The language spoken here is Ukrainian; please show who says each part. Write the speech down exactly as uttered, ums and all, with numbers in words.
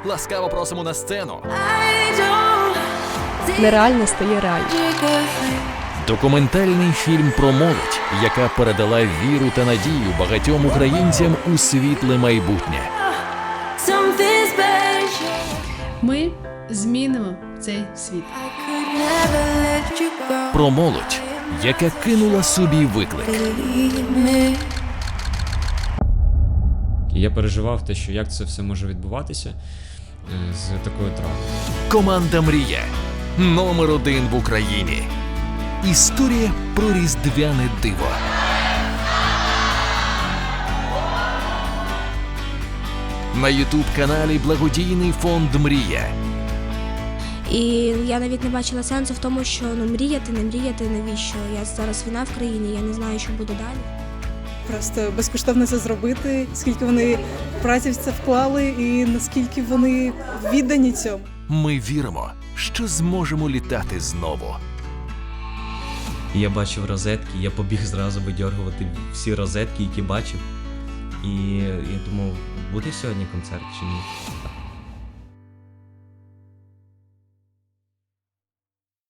Speaker 1: Ласкаво просимо на сцену.
Speaker 2: Нереально стає реально.
Speaker 1: Документальний фільм про молодь, яка передала віру та надію багатьом українцям у світле майбутнє.
Speaker 3: Ми змінимо цей світ.
Speaker 1: Про молодь, яка кинула собі виклик.
Speaker 4: Я переживав те, що як це все може відбуватися е, з такою травмою.
Speaker 1: Команда «Мрія» номер один в Україні. Історія про різдвяне диво. На ютуб-каналі благодійний фонд «Мрія».
Speaker 5: І я навіть не бачила сенсу в тому, що ну мріяти, не мріяти, навіщо? Я зараз війна в країні, я не знаю, що буде далі.
Speaker 6: Просто безкоштовно це зробити, скільки вони праці в це вклали і наскільки вони віддані цьому.
Speaker 1: Ми віримо, що зможемо літати знову.
Speaker 7: Я бачив розетки, я побіг зразу видьоргувати всі розетки, які бачив. І я думав, буде сьогодні концерт чи ні?